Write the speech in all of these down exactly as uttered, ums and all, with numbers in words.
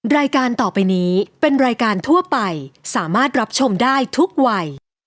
รายการต่อไปนี้เป็นรายการทั่วไปสามารถรับชมได้ทุกวัย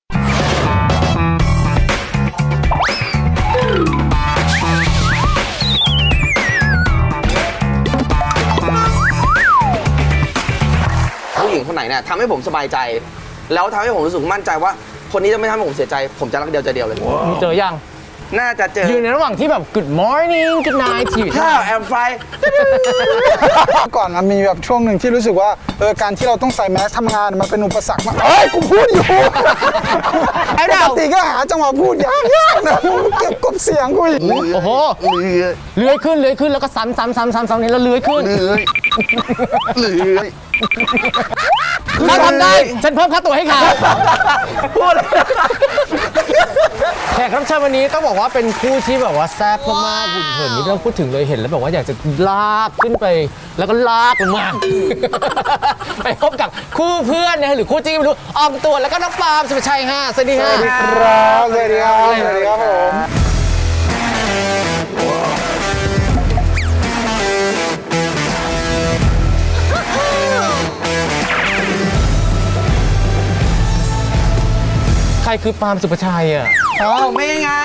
ผู้หญิงคนไหนเนี่ยทำให้ผมสบายใจแล้วทำให้ผมรู้สึกมั่นใจว่าคนนี้จะไม่ทำให้ผมเสียใจผมจะรักเดียวใจเดียวเลยมีเจอยังน่าจะเจออยู่ในระหว่างที่แบบ good morning good night ที่อยู่ข้าวแอมไฟก่อนมันมีแบบช่วงหนึ่งที่รู้สึกว่าเออการที่เราต้องใส่แมสทำงานมันเป็นอุปสรรคมากเฮ้ยกูพูดอยู่ปกติก็หาจังหวะพูดยากๆนะเก็บกบเสียงกูอีกโอ้โหเลื้อยขึ้นเลื้อยขึ้นแล้วก็ซ้ำซ้ำซ้ำซ้ำซ้ำนี้แล้วเลื้อยขึ้นเลยเลยถ้าทำได้ฉันเพิ่มค่าตัวให้เขาพูดแขกรับเชิญวันนี้ต้องบอกว่าเป็นคู่ที่แบบว่าแซ่บมากๆหุ่นเหินนี่ไม่ต้องพูดถึงเลยเห็นแล้วแบบว่าอยากจะลากขึ้นไปแล้วก็ลากลงมา ไปพบกับคู่เพื่อนนะหรือคู่จริงไม่รู้ออมตัวแล้วก็น้องปาล์มสุภชัยฮะสวัสดีฮะครับสวัสดีครับสวัสดีครับผมใครคือปาล์มสุภชัยอ่ะเอาไม่ไง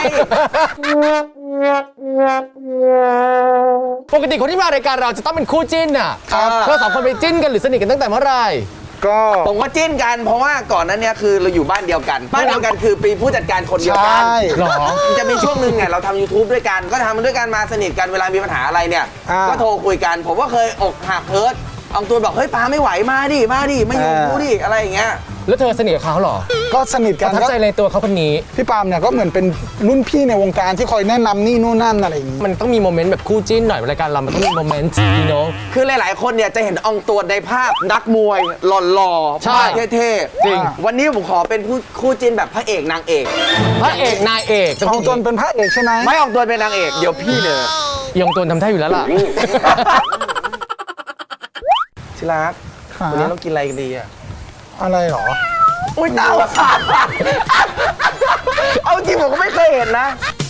ปกติคนที่มารายการเราจะต้องเป็นคู่จิ้นอ่ะครับเธอสองคนไปจิ้นกันหรือสนิทกันตั้งแต่เมื่อไหร่ก็ผมก็จิ้นกันเพราะว่าก่อนนั้นเนี่ยคือเราอยู่บ้านเดียวกันบ้านเดียวกันคือปีผู้จัดการคนเดียวกันใช่หรอจะมีช่วงหนึ่งเนี่ยเราทำ YouTube ด้วยกันก็ทำด้วยกันมาสนิทกันเวลามีปัญหาอะไรเนี่ยอ่าก็โทรคุยกัน ผมก็เคยอกหักเฮิร์ตเอาตัวบอกเฮ้ยปาไม่ไหวมาดิมาดิไม่อยู่อ่ากูดิอะไรอย่างเงี้ยแล้วเธอสนิทกับเขาเหรอก็สนิทปกันระทับก็ใจในตัวเขาคนนี้พี่ปาล์มเนี่ยก็เหมือนเป็นรุ่นพี่ในวงการที่คอยแนะนำนี่นู่นนั่นอะไรอย่างนี้มันต้องมีโมเมนต์แบบคู่จิ้นหน่อยรายการเรามันต้องมีโมเมนต์จีโนคือหลาย ๆ คนเนี่ยจะเห็นอองตัวในภาพนักมวยหล่อๆใช่ภาพเท่ๆจริงวันนี้ผมขอเป็นคู่คู่จิ้นแบบพระเอกนางเอกพระเอกนายเอกของตนเป็นพระเอกใช่ไหมไม่ออกตัวเป็นนางเอกเดี๋ยวพี่เนี่ยยองตนทำท่าอยู่แล้วล่ะชิรักหาวันนี้เรากินอะไรกันดีอ่ะอะไรหรออุ้ยตาขาดเอาจริงผมก็ไม่เคยเห็นนะ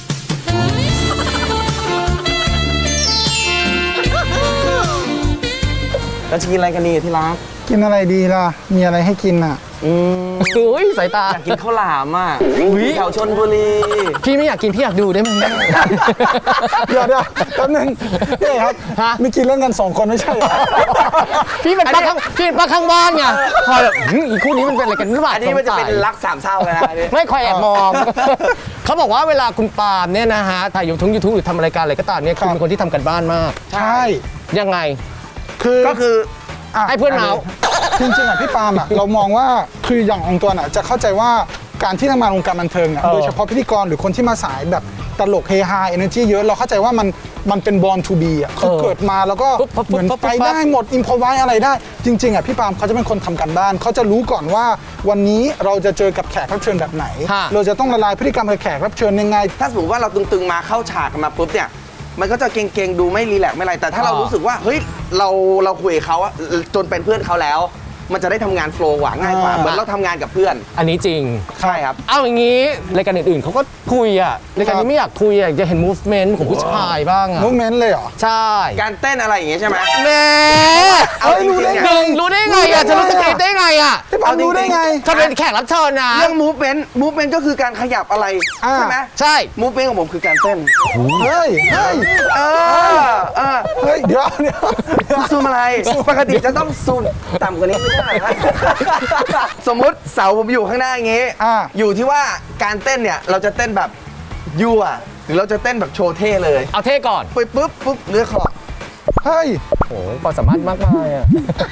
เราจะกินอะไรกันดีที่รักกินอะไรดีล่ะมีอะไรให้กินอ่ะอืมอุ้ยสายตาอยากกินข้าวหลามอ่ะอุ๊ยแถวชนบุรีพี่ไม่อยากกินพี่อยากดูได้ไหมเดี๋ยวเดี๋ยวแป๊บนึงนี่ครับฮะมีกินเล่นกันสองคนไม่ใช่เหรอพี่เป็นป้าข้างพี่เป็นป้าข้างบ้านไงคอยแบบหืมอีกคู่นี้มันเป็นอะไรกันหรือเปล่าอันนี้มันจะเป็นสงสัยรักสามเศร้าเลยนะอันนี้ไม่คอยแอบมอง เขาบอกว่าเวลาคุณปาล์มเนี่ยนะฮะถ่ายยูทูบยูทูบหรือทำรายการอะไรก็ตามเนี่ยคุณเป็นคนที่ทำกันบ้านมากใช่ยังไงคือก็คืออ่ะให้เพื่อนเมาส์จริงๆอ่ะพี่ปาล์มอ่ะ เรามองว่าคืออย่างองค์ตัวน่ะจะเข้าใจว่าการที่ทำงานวงการบันเทิงอ่ะเออโดยเฉพาะพิธีกรหรือคนที่มาสายแบบตลกเฮฮาเอเนอร์จีเยอะเราเข้าใจว่ามันมันเป็น born to be อ่ะคือเกิดมาแล้วก็ปุ๊บปุ๊บปุ๊บเหมือนปุ๊บไปได้หมดอินพอไว้อะไรได้ จริงๆอ่ะพี่ปาล์มเขาจะเป็นคนทำกันบ้านเขาจะรู้ก่อนว่าวันนี้เราจะเจอกับแขกรับเชิญแบบไหนฮะเราจะต้องละลายพฤติกรรมกับแขกรับเชิญยังไงถ้าสมมติว่าเราตึงๆมาเข้าฉากกันมาปุ๊บเนี่ยมันก็จะเก่งๆดูไม่รีแลกซ์ไม่อะไรแต่ถ้าเรารู้สึกว่าเฮ้ยเราเราคุยกับเขาอะจนเป็นเพื่อนเขาแล้ว มันจะได้ทำงานโฟล์กว่าง่ายกว่าอ่าเหมือนเราทำงานกับเพื่อนอันนี้จริงใช่ครับเอาอย่างนี้รายการอื่นๆเขาก็คุยอะรายการนี้ไม่อยากคุยอะอยากเห็น movement ของผู้ชายบ้างอะมูเมนต์เลยเหรอใช่การเต้นอะไรอย่างเงี้ยใช่ไหมแหม่เอาจริงๆเนี่ยหนึ่งรู้ได้ไงอะจะรู้สคริปต์ได้ไงอะพี่ปาล์มรู้ได้ไงถ้าเป็นแขกรับเชิญนะเรื่อง movement movement ก็คือการขยับอะไรอ่าใช่ไหมใช่ movement ของผมคือการเต้นเฮ้ยเฮ้ยเออเออเฮ้ยเดี๋ยวเดี๋ยวเดี๋ยวซูมอะไรปกติจะต้องซูมต่ำกว่านี้ไม่ได้นะ สมมุติเสาผมอยู่ข้างหน้าอย่างงี้อ่าอยู่ที่ว่าการเต้นเนี่ยเราจะเต้นแบบยั่วหรือเราจะเต้นแบบโชว์เท่เลยเอาเท่ก่อนไปปุ๊บปุ๊บเลือกขอบเฮ้ยโอ้โหความสามารถมากมายอะ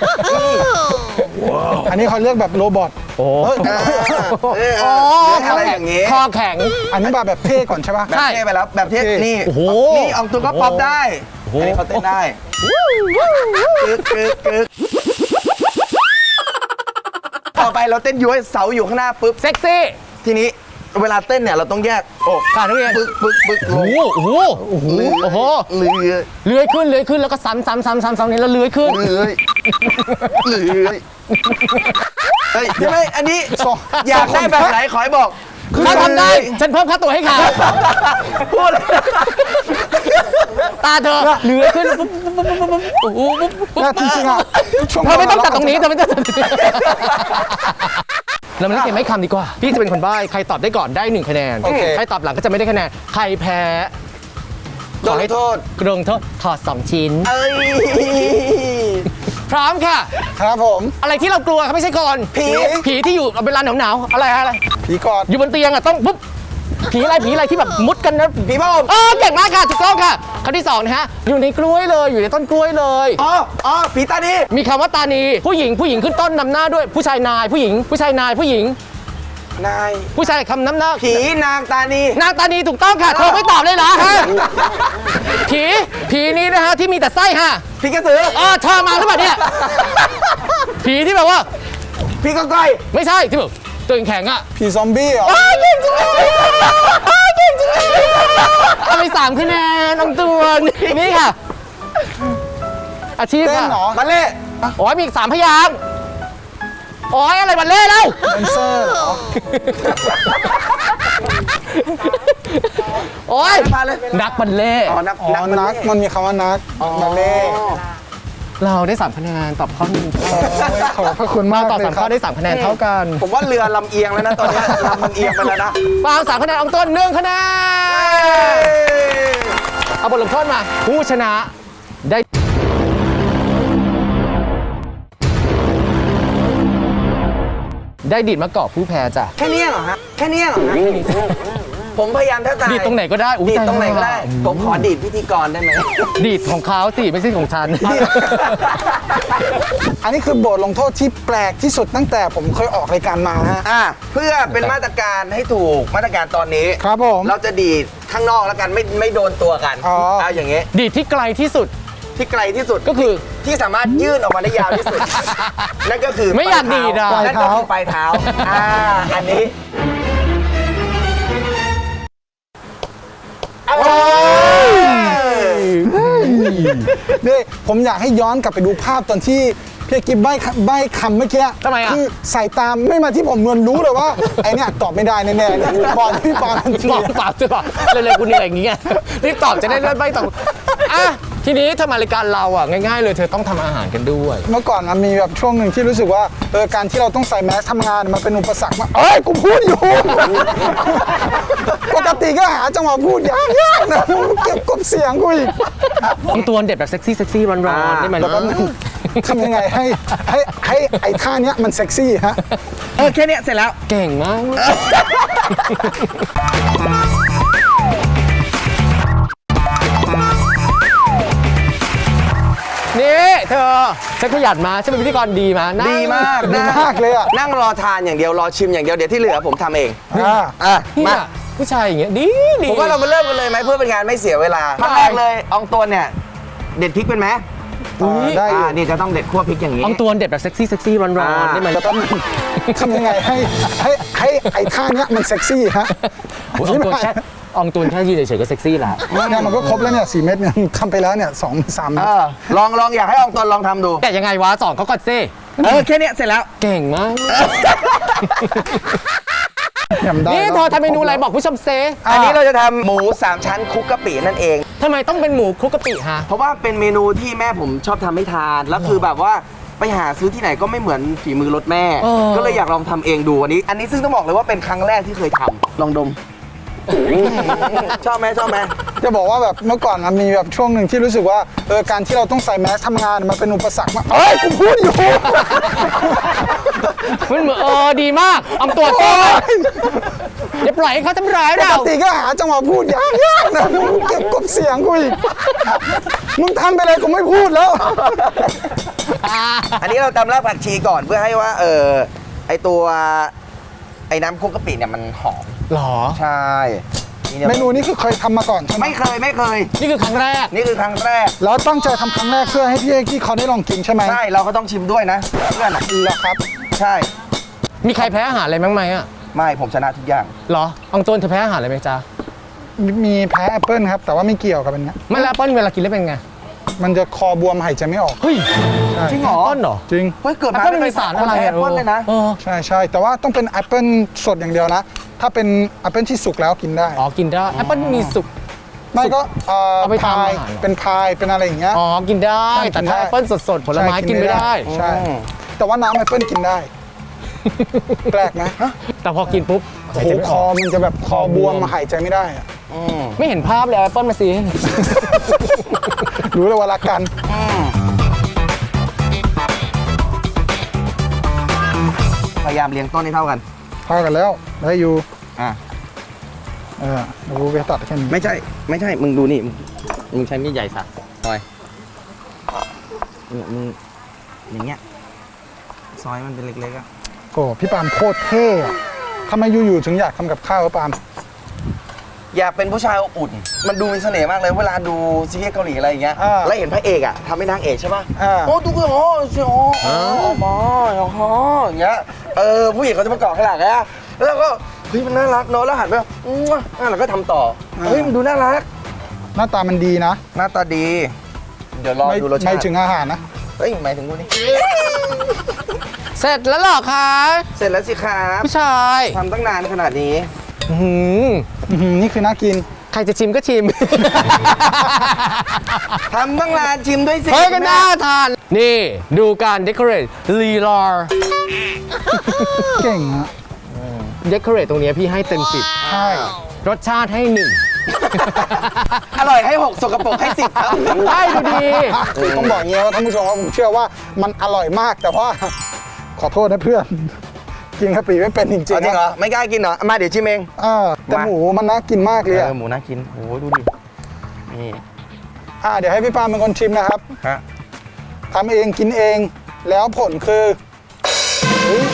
อันนี้เขาเรียกแบบโรบอทโอ้เออเออเออ๋ออเลือกอะไรอย่างงี้คอแข็งอันนี้แบบแบบเท่ก่อนใช่ปะแบบเท่ไปแล้วแบบเท่โอเคนี่โอ้โหนี่อองตัวก็ป๊อปได้โอ้โหอันนี้เขาเต้นได้กึกกึกกึกต่อไปเราเต้นย้วยเสาอยู่ข้างหน้าปุ๊บเซ็กซี่ทีนี้เวลาเต้นเนี่ยเราต้องแยกอกค่ะนักเรียนปึ๊กปึ๊กปึ๊กลโอ้งโหโอ้โหโอ้โหเลื้อยเลื้อยขึ้นเลื้อยขึ้นแล้วก็ซ้ำซ้ำซ้ำซ้ำซ้ำนี้แล้วเลื้อยขึ้นเลื้อยเลื้อยเฮ้ยไม่อันนี้สองอยากได้แบบไหนขอให้บอกเขาทำได้ฉันเพิ่มค่าตัวให้เขาพูดเลยตาเธอเหลือขึ้นปุ๊บปุ๊บปุ๊บปุ๊บปุ๊บปุ๊บปุ๊บปุ๊บแล้วจริงๆอ่ะช่วงเธอไม่ต้องตัดตรงนี้เธอไม่ต้องตัดตรงนี้เรามาเล่นเกมไม่คำดีกว่าพี่จะเป็นคนใบ้ใครตอบได้ก่อนได้หนึ่งคะแนนใครตอบหลังก็จะไม่ได้คะแนนใครแพ้โดนโทษกรงโทษถอดสองชิ้นเอ้ยพร้อมค่ะครับผมอะไรที่เรากลัวครับไม่ใช่คนผีผีที่อยู่เวลาหนาวๆอะไรอะไรผีกอดอยู่บนเตียงอ่ะต้องปุ๊บผีอะไรผีอะไรที่แบบมุดกันนะผีบ้าเออเก่งมากค่ะถูกต้องค่ะคำที่สองนะฮะอยู่ในกล้วยเลยอยู่ในต้นกล้วยเลยอ๋ออ๋อผีตาดีมีคำว่าตานีผู้หญิงผู้หญิงขึ้นต้นนำหน้าด้วยผู้ชายนายผู้หญิง ผู้ชายนายผู้หญิงนายผู้ชายคำนำหน้าผีนางตานีนางตานีถูกต้องค่ะเธอไม่ตอบเลยเหรอฮะผีผีนี้นะฮะที่มีแต่ไส้ฮะผีกระสือเออเธอมาหรือเปล่าเนี่ยผีที่แบบว่าผีกก้อยไม่ใช่ที่แบบตัวแข็งๆอ่ะผีซอมบี้เหรออ้าวเก่งจังเลยอ้าวเก่งจังเลยเอาไปสามคะแนนน้องตัวนี่ค่ะ อาชีพเต้นค่ะเหรอมาเล่โอ้ยมีอีกสามพยางค์โอ้ยอะไรบัลเล่ต์แล้วแดนเซอร์เหรอโอ้ยมาเลยนักบัลเล่ต์อ๋อนักอ๋อนักมันมีคำว่านักมาเล่เราได้สามคะแนนตอบข้อหนึ่งขอบพระคุณมากตอบเลยสามคข้รัอบ ได้สามคะแนนเท่ากันผมว่าเรือลำเอียงแล้วนะตอนเนี้ยลำมันเอียงไปแล้วนะฟางสามคะแนนอองต้นหนึ่งคะแนนเอาบทลงโทษมา ผู้ชนะได้ได้ดีดมะกอกผู้แพ้จ้ะแค่เนี้ยเหรอฮะแค่เนี้ยเหรอฮะผมพยายามแทบตายดีดตรงไหนก็ได้อุ๊ยดีดตรงไหนก็ได้ตายแล้วผมขอดีดพิธีกรได้ไหมดีดของเขาสิไม่ใช่ของฉันอันนี้คือบทลงโทษที่แปลกที่สุดตั้งแต่ผมเคยออกรายการมาฮะอ่ะเพื่อเป็นมาตรการให้ถูกมาตรการตอนนี้ครับผมเราจะดีดข้างนอกแล้วกันไม่ไม่โดนตัวกันอ๋อเอาอย่างเงี้ยดีดที่ไกลที่สุดที่ไกลที่สุดก็คือที่สามารถยื่นออกมาได้ยาวที่สุด นั่นก็คือไม่อยากดีดอ่ะนั่นก็คือปลายเท้าอ่าอันนี้นี่ผมอยากให้ย้อนกลับไปดูภาพตอนที่พี่กิ๊บใบ้คำใบ้คำเมื่อกี้ทำไมอ่ะคือสายตามไม่มาที่ผมนวลรู้เลยว่า ไอเนี่ยตอบไม่ได้แน่ๆเนี่ยบอลพี่ปอนทันทีบอกตอบจะบอกเลยๆกูเหนื่อยอย่างเงี้ยรีบตอบจะได้เลื่อนใบตอบอ่ะทีนี้ถ้ามารายการเราอ่ะง่ายๆเลยเธอต้องทำอาหารกันด้วยเมื่อก่อนมันมีแบบช่วงหนึ่งที่รู้สึกว่าเออการที่เราต้องใส่แมสทำงานมันเป็นอุปสรรคมากเอ้ยกูพูดอยู่ ปกติก็หาจังหวะพูดยากๆนะเก็บกบเสียงกูอีกต้องตัวเด็ดแบบเซ็กซี่เซ็กซี่ร้อนๆได้ไหมแล้วก็ทำยังไงให้ให้ให้ไอ้ท่าเนี้ยมันเซ็กซี่ฮะเออแค่เนี้ยเสร็จแล้วเก่งมาก นี่เธอฉันขยันมาฉันเป็นพิธีกรดีมานั่งดีมากดีนะมากเลยอ่ะนั่งรอทานอย่างเดียวรอชิมอย่างเดียวเดี๋ยวที่เหลือผมทำเองอ่าอ่ะเนี่มายผู้ชายอย่างเงี้ยดีดีผมว่าเรามาเริ่มกันเลยไหมเพื่อเป็นการไม่เสียเวลาขั้นแรกเลยอองตัวเนี่ยเด็ดพริกเป็นไหมได้อยู่อ่านี่จะต้องเด็ดคั่วพริกอย่างนี้อองตัวเด็ดแบบเซ็กซี่เซ็กซี่ร้อนๆได้ไหมแล้วก็ทำยังไงให้ให้ให้ไอ้ท่าเนี้ยมันเซ็กซี่ฮะอองตัวแค่อองตัวแค่ยืนเฉยๆก็เซ็กซี่ละเนี่ยมันก็ครบแล้วเนี่ยสี่เม็ดเนี่ยทำไปแล้วเนี่ยสองสามเม็เอดอลองลองอยากให้อองตัวลองทำดูแต่ยังไงวะสอนเขาก่อนซิเออแค่เนี้ยเสร็จแล้วเก่งมากยำได้นี่เธอทำเมนูอะไรบอกผู้ชมเซอันนี้เราจะทำหมูสามชั้นคลุกกะปินั่นเองทำไมต้องเป็นหมูคลุกกะปิฮะเพราะว่าเป็นเมนูที่แม่ผมชอบทำให้ทาน แล้วคือแบบว่าไปหาซื้อที่ไหนก็ไม่เหมือนฝีมือรสแม่เออก็เลยอยากลองทำเองดูอันนี้ อันนี้ซึ่งต้องบอกเลยว่าเป็นครั้งแรกที่เคยทำลองดม ชอบไหมชอบไหมจะบอกว่าแบบเมื่อก่อนมันมีแบบช่วงหนึ่งที่รู้สึกว่าเออการที่เราต้องใส่แมสทำงานมันเป็นอุปสรรคมากเอ้ยกูพูดอยู่มันเหมือนเออดีมากเอาตัวเต้อย่าปล่อยให้เขาทำร้ายปเรากติก็หาจังหวะพูดยากๆนะเก็บกบเสียงกูอีกมึงทำไปเลยกูไม่พูดแล้วอันนี้เราตำรากผักชีก่อนเพื่อให้ว่าเออไอตัวไอ้น้ำคลุกกะปิเนี่ยมันหอมหรอใช่ยเมนูนี้คือเคยทำมาก่อนใช่ไหมไม่เคยไม่เคยนี่คือครั้งแรกนี่คือครั้งแรกแล้วตั้งใจทำครั้งแรกเพื่อให้พี่เอกที่เขาได้ลองกินใช่ไหมใช่เราก็ต้องชิมด้วยนะเพื่อนอะเหรอครับใช่มีใครแพ้อาหารอะไรบ้างไหมอ่ะไม่ผมชนะทุกอย่างหรออองตัวเธอแพ้อาหารอะไรไหมจ๊ะมีแพ้แอปเปิลครับแต่ว่าไม่เกี่ยวกับอันเนี้ยไม่แล้วแอปเปิ้ลเวลากินแล้วเป็นไงมันจะคอบวมหายใจไม่ออกเฮ้ยใช่จริงเหรอต้นเหรอจริงเฮ้ยเกิดมาแอปเปิ้ลมีสารอะไรแอปเปิ้ลเลยนะเออใช่ใช่แต่ว่าต้องเป็นแอปเปิลสดอย่างเดียวนะ ถ้าเป็นแอปเปิลที่สุกแล้วกินได้อ๋อกินได้แอปเปิ้ลมีสุกไม่ก็เอ่อเอาไปทำพายอาหารเหรอเป็นพายเป็นอะไรอย่างเงี้ยอ๋อกินได้ใช่แต่กินถ้าได้แอปเปิ้ลสดๆผลไม้กินไม่ได้ใช่อืมแต่ว่าน้ำแอปเปิลกินได้ แปลกไหมแต่พอกินปุ๊บโอ้หายโหใจไม่คอออกมันจะแบบคอบวมหายใจไม่ได้อะอืมไม่เห็นภาพเลยแอปเปิ้ลมาสิรู้เลยว่ารักกันพยายามเลี้ยงต้นให้เท่ากันพากันแล้วได้อยู่อ่ะเออเดี๋ยวกูไปตัดแค่นี้ไม่ใช่ ไม่ใช่ มึงดูนี่ มึงมึงใช้มีดใหญ่สักซอยเนี่ยมึงอย่างเงี้ย ซอยมันเป็นเล็กๆอ่ะโอ้พี่ปาล์มโคตรเท่อะทำไมอยู่ๆถึงอยากทำกับข้าววะปาล์มอยากเป็นผู้ชายอบอุ่น มันดูมีเสน่ห์มากเลยเวลาดูซีรีส์เกาหลีอะไรอย่างเงี้ยอ่าแล้วเห็นพระเอกอ่ะทำให้นางเอกใช่ป่ะอ่าโอ้ดูก็อ๋อใช่อ๋ออ๋ออ๋ออ๋ออย่างเงี้ย เออผู้หญิงเขาจะมาเกาะข้างหลังอะแล้วก็เฮ้ยมันน่ารักเนอะแล้วหันไปอื้ออ่ะแล้วก็ทำต่อ เฮ้ยมันดูน่ารักหน้าตามันดีนะหน้าตาดี เดี๋ยวรอไม่ดูรสชาไม่ติถึงอาหารนะเฮ้ยหมายถึงกูนี่เสร็จแล้วเหรอคะเสร็จแล้วสิครับผู้ชายทำตั้งนานขนาดนี้อื้อหืออื้อหือนี่คือน่ากินใครจะชิมก็ชิมทำตั้งนานชิมด้วยสิเฮ้ยก็น่าทาน นี่ดูการเดคอเรทลีลาร์เก่งอะเดคอเรทตรงเนี้ยพี่ให้เต็มสิบใช่รสชาติให้หนึ่งอร่อยให้หกสกปรกให้สิบครับได้ดูดีคือต้องบอกอย่างนี้ว่าท่านผู้ชมว่าผมเชื่อว่ามันอร่อยมากแต่ว่า ขอโทษนะเพื่อน กินกะปิไม่เป็นจริงจริงๆเหรอะอ ไม่กล้ากินเหรอ มาเดี๋ยวชิมเองอ่าแต่มาหมูมันน่ากินมากเลยเออะอหมูน่ากินโอ้ดูดิ นี่อ่าเดี๋ยวให้พี่ปาล์มเป็นคนชิมนะครับฮะทำเองกินเองแล้วผลคือเฮ้ย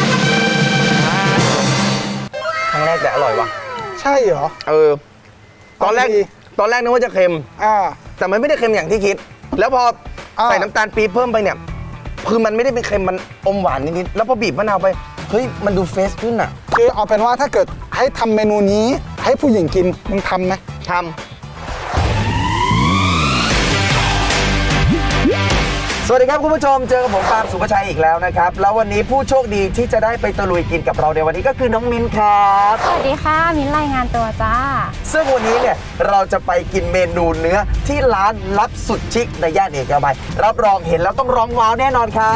ครั้งแรกแต่อร่อยว่ะใช่เหรอเออ ตอนแรกเอาดีตอนแรกนึกว่าจะเค็มอ่าแต่มันไม่ได้เค็มอย่างที่คิด แล้วพออ่าใส่น้ำตาลปี๊บเพิ่มไปเนี่ย คือมันไม่ได้เป็นเค็ม มันอมหวานนิดๆ แล้วพอบีบมะนาวไป เฮ้ย มันดูเฟรชขึ้นอ่ะคือเอาเป็นว่าถ้าเกิดให้ทำเมนูนี้ให้ผู้หญิงกินมึงทำไหมทำ สวัสดีครับคุณผู้ชม เจอกับผมปาล์มสุภชัยอีกแล้วนะครับ แล้ววันนี้ผู้โชคดีที่จะได้ไปตะลุยกินกับเราในวันนี้ก็คือน้องมิ้นครับสวัสดีค่ะ มิ้นรายงานตัวจ้าซึ่งวันนี้เนี่ยเราจะไปกินเมนูเนื้อที่ร้านลับสุดชิคในย่านเอกมัยรับรองเห็นแล้วต้องร้องว้าวแน่นอนครับ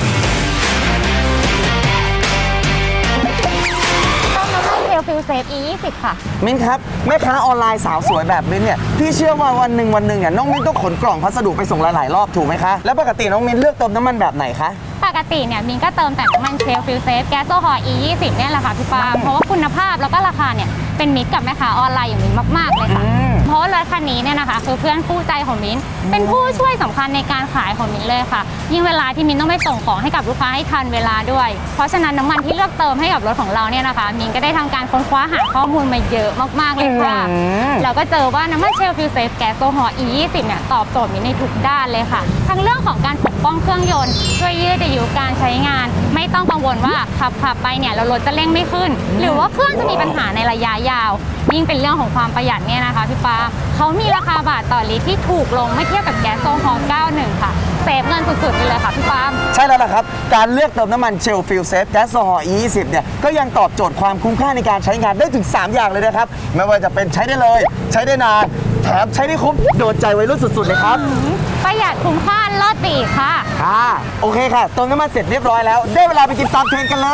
ต้มน้ำมันเทลฟิลเซฟ อี ยี่สิบ ค่ะมิ้นครับแม่ค้าออนไลน์สาวสวยแบบมิ้นเนี่ยพี่เชื่อว่าวันหนึ่งวันหนึ่งเนี่ยน้องมิ้นต้องขนกล่องพัสดุไปส่งหลายๆรอบถูกไหมคะแล้วปกติน้องมิ้นเลือกเติมน้ำมันแบบไหนคะปกติเนี่ยมิ้นก็เติมแต่น้ำมันเทลฟิลเซฟแก๊สโซฮอล์ อี ยี่สิบ เนี่ยแหละค่ะพี่ปาล์มเพราะว่าคุณภาพแล้วก็ราคาเนี่ยเป็นมิตรกับแม่ค้าออนไลน์อย่างมิ้นมากๆเลยค่ะ เพราะว่ารถคันนี้เนี่ยนะคะคือเพื่อนคู่ใจของมิ้นเป็นผู้ช่วยสำคัญในการขายของมิ้นเลยค่ะ ยิ่งเวลาที่มิ้นต้องไปส่งของให้กับลูกค้าให้ทันเวลาด้วย เพราะฉะนั้นน้ำมันที่เลือกเติมให้กับรถของเราเนี่ยนะคะมิ้นก็ได้ทำการค้นคว้าหาข้อมูลมาเยอะมากๆเลยค่ะ เราก็เจอว่าน้ำมันเชลฟิลเซฟแก๊สโซฮอล์ อี ยี่สิบ เนี่ยตอบโจทย์มิ้นในทุกด้านเลยค่ะ ทั้งเรื่องของการปกป้องเครื่องยนต์ช่วยยืดอายุการใช้งาน ไม่ต้องกังวลว่าขับขับไปเนี่ยเรารถจะเร่งไม่ขึ้น หรือว่าเครื่องจะมีปัญหาในระยะยาว ยิ่งเป็นเรื่องของความประหยัดเนี่ยนะคะพี่ปาเขามีราคาบาทต่อลิตรที่ถูกลงเมื่อเทียบกับแก๊สโซฮอล์ เก้าสิบเอ็ด ค่ะเซฟเงินสุดๆไปเลยค่ะพี่ปาล์มใช่แล้วล่ะครับ การเลือกเติมน้ำมันเชลฟิลเซฟแก๊สโซฮอล์ อี ยี่สิบ เนี่ยก็ยังตอบโจทย์ความคุ้มค่าในการใช้งานได้ถึง สาม อย่างเลยนะครับ ไม่ว่าจะเป็นใช้ได้เลย ใช้ได้นาน แถมใช้ได้คุ้มโดนใจวัยรุ่นสุดๆเลยครับประหยัดคุ้มค่าเลิศปีกค่ะค่ะ โอเคค่ะเติมน้ำมันเสร็จเรียบร้อยแล้ว ได้เวลาไปกินตามเทรนด์กันเลย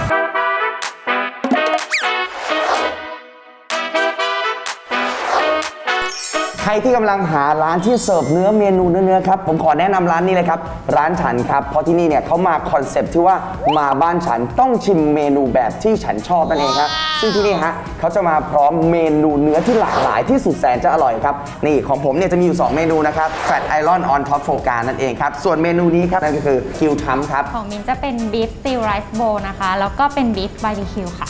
ใครที่กำลังหาร้านที่เสิร์ฟเนื้อเมนูเนื้อๆครับผมขอแนะนำร้านนี้เลยครับร้านฉันครับเพราะที่นี่เนี่ยเขามาคอนเซปต์ที่ว่ามาบ้านฉันต้องชิมเมนูแบบที่ฉันชอบนั่นเองครับซึ่งที่นี่ฮะเขาจะมาพร้อมเมนูเนื้อที่หลากหลายที่สุดแสนจะอร่อยครับนี่ของผมเนี่ยจะมีอยู่สองเมนูนะครับ Fat Iron on Top f o c a นั่นเองครับส่วนเมนูนี้ครับนั่นก็คือคิวทัมครับของมินจะเป็นบีฟสตีลไรซ์โบนะคะ แล้วก็เป็นบีฟบาร์บีคิวค่ะ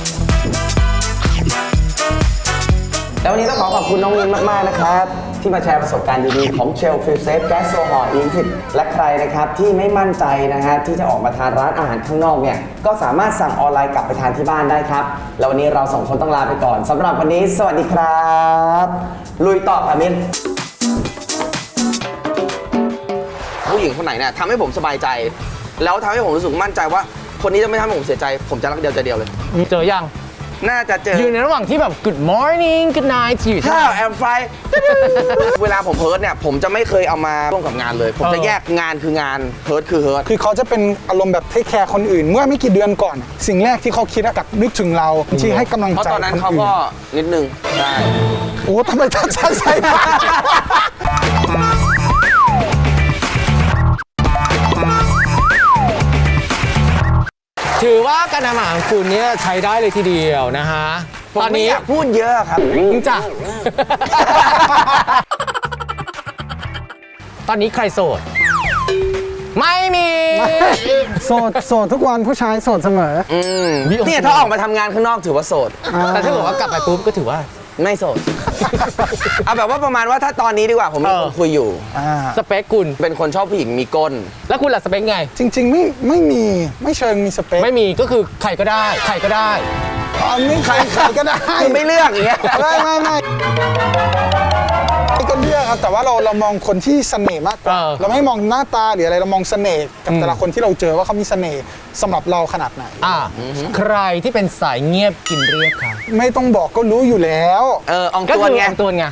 แล้ววันนี้ต้องขอขอบคุณน้องมินมากๆนะครับที่มาแชร์ประสบการณ์ดีๆของเชลฟิลเซฟแก๊สโซฮอล์ อี ยี่สิบ และใครนะครับที่ไม่มั่นใจนะฮะที่จะออกมาทานร้านอาหารข้างนอกเนี่ยก็สามารถสั่งออนไลน์กลับไปทานที่บ้านได้ครับแล้ววันนี้เราสองคนต้องลาไปก่อนสำหรับวันนี้สวัสดีครับลุยต่อค่ะมินผู้หญิงคนไหนเนี่ยทำให้ผมสบายใจ แล้วทำให้ผมรู้สึกมั่นใจว่าคนนี้จะไม่ทำให้ผมเสียใจ ผมจะรักเดียวใจเดียวเลยเจอยังน่าจะเจออยู่ในระหว่างที่แบบ good morning good night อยู่ข้าวแอมไฟ เวลาผมเฮิร์ตเนี่ยผมจะไม่เคยเอามาร่วมกับงานเลย ผมจะแยกงานคืองานเฮิร์ตคือเฮิร์ตคือเขาจะเป็นอารมณ์แบบเทคแคร์คนอื่น เมื่อไม่กี่เดือนก่อน สิ่งแรกที่เขาคิดอะกับนึกถึงเราที่ให้กำลังเพราะใจตอนนั้นคนเขาอื่นก็นิดนึงใช่โอ้ทำไมท่านใช้ใช้ถือว่าการทำอาหารของคุณเนี่ยใช้ได้เลยทีเดียวนะฮะผมตอนไม่นี้อยากพูดเยอะครับจริงจ้ะ ตอนนี้ใครโสด ไม่มีโสดโสดทุกวันผู้ชายโสดเสมออืมเนี่ยถ้าออกมาทำงานข้างนอกถือว่าโสดแต่ถ้าบอกว่ากลับไปปุ๊บก็ถือว่าไม่โสด เอาแบบว่าประมาณว่าถ้าตอนนี้ดีกว่าผมมีเออคนคุยอยู่สเปคคุณเป็นคนชอบผู้หญิงมีก้นแล้วคุณล่ะสเปคไงจริงๆไม่ไม่มีไม่เชิงมีสเปคไม่มีก็คือใครก็ได้ ใครก็ได้อันนี้ใครใครก็ได้คือไม่เลือกอย่างเงี้ยไม่ไม่ไม่ไม่ก็เลือกครับแต่ว่าเราเรามองคนที่เสน่ห์มากกว่าเออเราไม่มองหน้าตาหรืออะไรเรามองเสน่ห์กับแต่ละคนที่เราเจอว่าเขามีเสน่ห์สำหรับเราขนาดไหนอ่าใครที่เป็นสายเงียบกินเรียบค่ะไม่ต้องบอกก็รู้อยู่แล้วเอออองก็ตัวคือไงอองตัวไง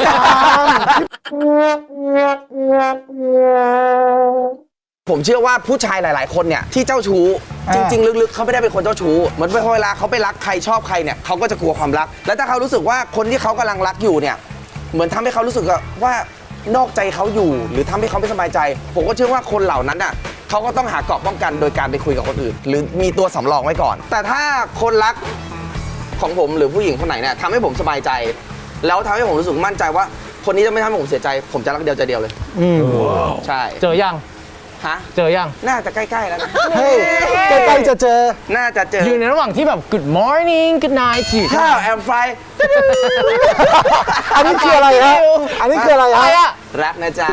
ผมเชื่อว่าผู้ชายหลาย ๆ คนเนี่ยที่เจ้าชู้อ่าจริง ๆ ลึก ๆเขาไม่ได้เป็นคนเจ้าชู้เหมือนเวลาเขาไปรักใครชอบใครเนี่ยเขาก็จะกลัวความรัก แล้วถ้าเขารู้สึกว่าคนที่เขากำลังรักอยู่เนี่ยเหมือนทำให้เขารู้สึกว่านอกใจเขาอยู่ หรือทำให้เขาไม่สบายใจ ผมก็เชื่อว่าคนเหล่านั้นน่ะเขาก็ต้องหาเกราะป้องกันโดยการไปคุยกับคนอื่น หรือมีตัวสำรองไว้ก่อน แต่ถ้าคนรักของผมหรือผู้หญิงคนไหนเนี่ยทำให้ผมสบายใจ แล้วทำให้ผมรู้สึกมั่นใจว่าคนนี้จะไม่ทำให้ผมเสียใจ ผมจะรักเดียวใจเดียวเลยอืมใช่เจอยังฮะเจอยังน่าจะใกล้ๆแล้วนะเฮ้ยใกล้ๆจะเจอน่าจะเจออยู่ในระหว่างที่แบบ good morning good night อยู่ข้าวแอมไฟอันนี้คืออะไรฮะอันนี้คืออะไรอะไรฮะอะรักนะจ๊ะ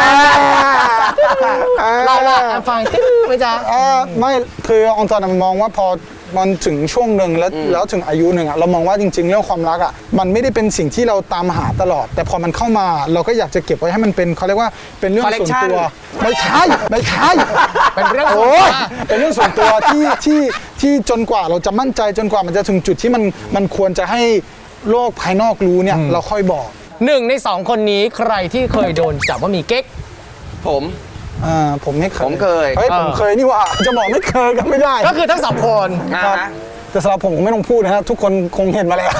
เราละแอมไฟติ๊งไหมจ๊ะเอ่อไม่คือองค์กรมันมองว่าพอมันถึงช่วงหนึ่งแล้วแล้วถึงอายุหนึ่งอะเรามองว่าจริงๆเรื่องความรักอะมันไม่ได้เป็นสิ่งที่เราตามหาตลอด แต่พอมันเข้ามาเราก็อยากจะเก็บไว้ให้มันเป็นเขาเรียกว่าเป็นเรื่องส่วนตัว ไม่ใช่ไม่ใช่เป็นเรื่องส่วนโอ้ตัยว เป็นเรื่องส่วนตัวที่ที่ที่จนกว่าเราจะมั่นใจจนกว่ามันจะถึงจุดที่มันมันควรจะให้โลกภายนอกรู้เนี่ยเราค่อยบอกหนึ่งในสองคนนี้ใครที่เคยโดนจับว่ามีเก๊กผมอ่าผมไม่เคยผมเคยเฮ้ยผมเออเคยนี่หว่าจะบอกไม่เคยก็ไม่ได้ก็คือทั้งสองคนนะครับฮะแต่สำหรับผมผมไม่ต้องพูดนะฮะทุกคนคงเห็นมาแล้ว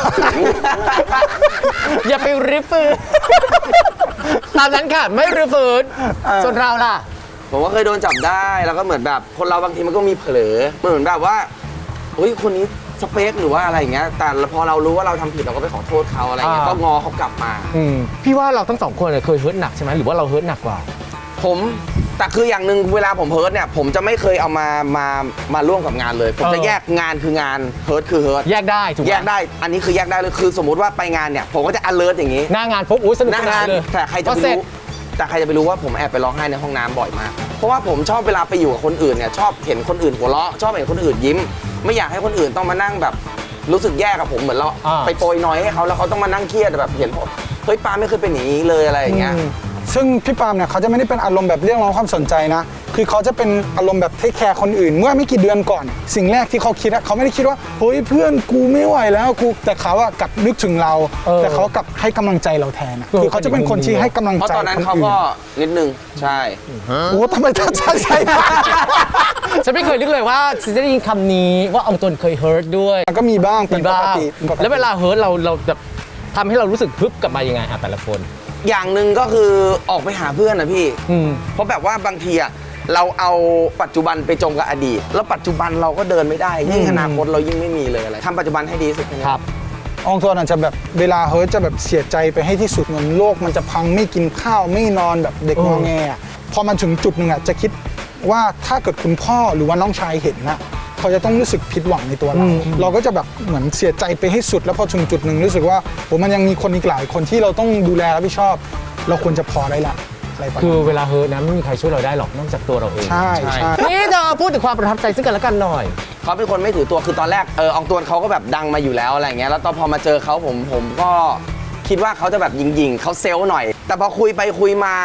อย่าไปริฟืนตามนั้นค่ะ ไม่ริฟืนส่วนเราล่ะผมว่าเคยโดนจับได้แล้วก็เหมือนแบบคนเราบางทีมันก็มีเผลอเหมือนแบบว่าเฮ้ยคนนี้สเปคหรือว่าอะไรอย่างเงี้ยแต่พอเรารู้ว่าเราทำผิดเราก็ไปขอโทษเขาอะไรอย่างเงี้ยอ่าก็งอเขากลับมาพี่ว่าเราทั้งสองคนเนี่ยเคยเฮิร์ตหนักใช่ไหมหรือว่าเราเฮิร์ตหนักกว่าผมแต่คืออย่างหนึ่งเวลาผมเฮิร์ตเนี่ยผมจะไม่เคยเอามามามาร่วมกับงานเลย ผมจะเออแยกงานคืองานเฮิร์ตคือเฮิร์ตแยกได้ถูกไหมแยกได้อันนี้คือแยกได้เลยคือสมมุติว่าไปงานเนี่ยผมก็จะ alert อย่างนี้หน้างานปุ๊บอุ้ยสนุกหน้าสนางาน นเลยแต่ใครจะพอไปเสร็จรู้แต่ใครจะไปรู้ว่าผมแอบไปร้องไห้ในห้องน้ำบ่อยมาก เพราะว่าผมชอบเวลาไปอยู่กับคนอื่นเนี่ยชอบเห็นคนอื่นหัวเราะชอบเห็นคนอื่นยิ้ม ไม่อยากให้คนอื่นต้องมานั่งแบบรู้สึกแย่กับผมเหมือนเราอ่าไปโปรยน้อยให้เขาแล้วเขาต้องมานั่งเครียดแบบเห็นผมเฮ้ยปาไม่เคยเป็นอย่างนี้เลยอะไรอย่างเงี้ยซึ่งพี่ปาล์มเนี่ยเขาจะไม่ได้เป็นอารมณ์แบบเรียกร้องความสนใจนะ คือเขาจะเป็นอารมณ์แบบเทคแคร์คนอื่น เมื่อไม่กี่เดือนก่อน สิ่งแรกที่เขาคิดอะเขาไม่ได้คิดว่าเฮ้ยเพื่อนกูไม่ไหวแล้วกูแต่เขาอะกลับนึกถึงเราเออแต่เขากลับให้กำลังใจเราแทนอะเออคือเขาจะเป็นคนที่ให้กำลังเพราะใจตอนนั้นคนเขาอื่นก็นิดนึงใช่โอ้ทำไมท่านใช้ใช้ฉันไม่เคยนึกเลยว่าฉันจะได้ยินคำนี้ว่าอองตนเคยเฮิร์ตด้วยมันก็มีบ้างเป็มีนปบ้าก งติปกติแล้วเวลาเฮิร์ตเราเราแบบทำให้เรารู้สึกพึบกลับมายังไงอ่ะแต่ละคนอย่างหนึ่งก็คือออกไปหาเพื่อนนะพี่อืมเพราะแบบว่าบางทีอะเราเอาปัจจุบันไปจมกับอดีต แล้วปัจจุบันเราก็เดินไม่ได้ ยิ่งอนาคตเรายิ่งไม่มีเลยอะไรทำปัจจุบันให้ดีที่สุดแนี้ครับอองตัวน่ะจะแบบเวลาเฮิร์ตจะแบบเสียใจไปให้ที่สุดเหมือนโลกมันจะพังไม่กินข้าวไม่นอนแบบเด็กงอแงอะพอมันถึงจุดหนึ่งอ่ะจะคิดว่าถ้าเกิดคุณพ่อหรือว่าน้องชายเห็นนะเขาจะต้องรู้สึกผิดหวังในตัวเรา เราก็จะแบบเหมือนเสียใจไปให้สุด แล้วพอถึงจุดหนึ่งรู้สึกว่าโหมันยังมีคนอีกหลายคนที่เราต้องดูแลรับผิดชอบ เราควรจะพอได้ละอะไรประมาณคือเวลาเฮิร์ตนะไม่มีใครช่วยเราได้หรอกนอกจากตัวเราเองใช่ใช่นี่จะพูดถึงความประทับใจซึ่งกันและกันหน่อยเขาเป็นคนไม่ถือตัวคือตอนแรกเอออองตวนเขาก็แบบดังมาอยู่แล้วอะไรอย่างเงี้ยแล้วตอนพอมาเจอเขาผมผมก็คิดว่าเขาจะแบบยิงๆเขาเซลล์หน่อย แต่พอคุยไปคุยมา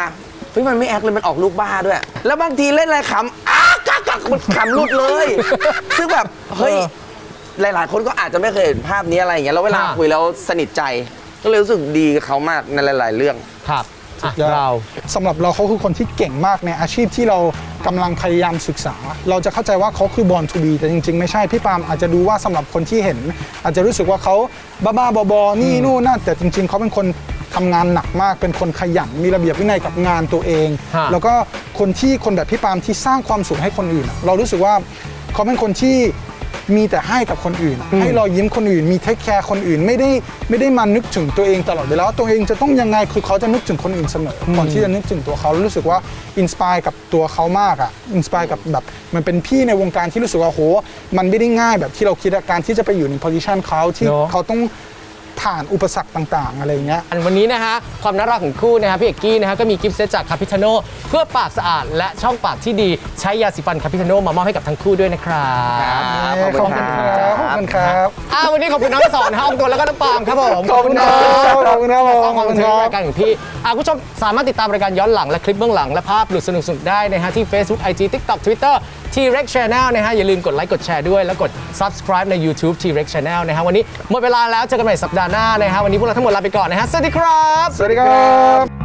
เฮ้ยมันไม่แอคเลยมันออกลูกบ้าด้วย แล้วบางทีเล่นอะไรขำอ้ากักกักมันขำหลุดเลย ซึ่งแบบเฮ้ยหลาย ๆ คนก็อาจจะไม่เคยเห็นภาพนี้อะไรอย่างเงี้ยแล้วเวลาค่ะคุยแล้วสนิทใจ ก็เลยรู้สึกดีกับเขามากในหลาย ๆ เรื่องครับอ่ะยอดเราสำหรับเราเขาคือคนที่เก่งมากในอาชีพที่เรากำลังพยายามศึกษา เราจะเข้าใจว่าเขาคือ born to be แต่จริง ๆ ไม่ใช่พี่ปาล์มอาจจะดูว่าสำหรับคนที่เห็น อาจจะรู้สึกว่าเขาบ้าๆบอๆนี่นู่นนั่นแต่จริง ๆเขาเป็นคนทำงานหนักมาก เป็นคนขยันมีระเบียบวินัยกับงานตัวเองฮะแล้วก็คนที่คนแบบพี่ปาล์มที่สร้างความสุขให้คนอื่นอะเรารู้สึกว่าเขาเป็นคนที่มีแต่ให้กับคนอื่น ให้รอยยิ้มคนอื่น มีเทคแคร์คนอื่นไม่ได้ไม่ได้มานึกถึงตัวเองตลอดเวลาว่าตัวเองจะต้องยังไงคือเขาจะนึกถึงคนอื่นเสมอก่อนที่จะนึกถึงตัวเขาแล้วรู้สึกว่าอินสปายกับตัวเขามากอ่ะอินสปายกับแบบมันเป็นพี่ในวงการที่รู้สึกว่าโหมันไม่ได้ง่ายแบบที่เราคิดอะการที่จะไปอยู่ในโพสิชันเขาที่เนอะเขาต้องผ่านอุปสรรคต่างๆอะไรอย่างเงี้ยอันวันนี้นะฮะความน่ารักของคู่นะฮะพี่เอกกี้นะฮะก็มีกิฟต์เซตจากคาพิทาโนเพื่อปากสะอาดและช่องปากที่ดีใช้ยาสีฟันคาพิทาโนมามอบให้กับทั้งคู่ด้วยนะครับขอบคุณครับขอบคุณครับอ่าวันนี้ขอบคุณน้องทั้งสองนะฮะอองตัวแล้วก็น้องปาล์มครับผมขอบคุณครับขอบคุณครับผมสร้างความบันเทิงขอบคุณครับรายการของพี่อ่าคุณผู้ชมสามารถติดตามรายการย้อนหลังและคลิปเบื้องหลังและภาพหลุดสนุกๆได้นะฮะที่ Facebook ไอ จี TikTok Twitter T-Rex Channel นะฮะอย่าลืมกดไลค์กดแชร์ด้วยแล้วกด Subscribe ใน YouTube T-Rex Channel นะฮะวันนี้หมดเวลาแล้วเจอกันใหม่สัปดาห์หน้านะฮะวันนี้พวกเราทั้งหมดลาไปก่อนนะฮะสวัสดีครับสวัสดีครับ